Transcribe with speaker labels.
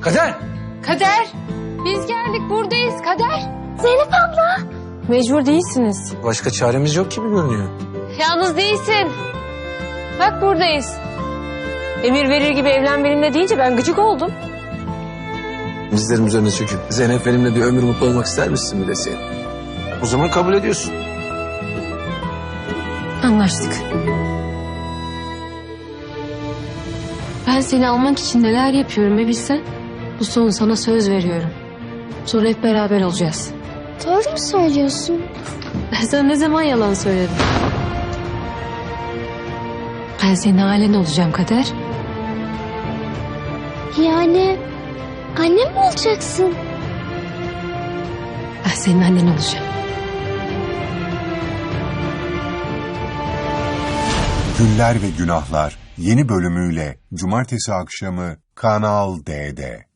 Speaker 1: Kader!
Speaker 2: Kader! Biz geldik, buradayız Kader.
Speaker 3: Zeynep abla.
Speaker 2: Mecbur değilsiniz.
Speaker 1: Başka çaremiz yok gibi görünüyor.
Speaker 2: Yalnız değilsin. Bak buradayız. Emir verir gibi evlen benimle deyince ben gıcık oldum.
Speaker 1: Bizlerin üzerine çöküp Zeynep benimle bir ömür mutlu olmak ister misin mi deseydin? O zaman kabul ediyorsun.
Speaker 2: Anlaştık. Ben seni almak için neler yapıyorum be bilsen. Bu son sana söz veriyorum. Sonra hep beraber olacağız.
Speaker 3: Doğru mu söylüyorsun?
Speaker 2: Ben sana ne zaman yalan söyledim? Ben senin ailen olacağım Kader.
Speaker 3: Yani annem mi olacaksın?
Speaker 2: Ben senin annen olacağım.
Speaker 4: Güller ve Günahlar yeni bölümüyle Cumartesi akşamı Kanal D'de.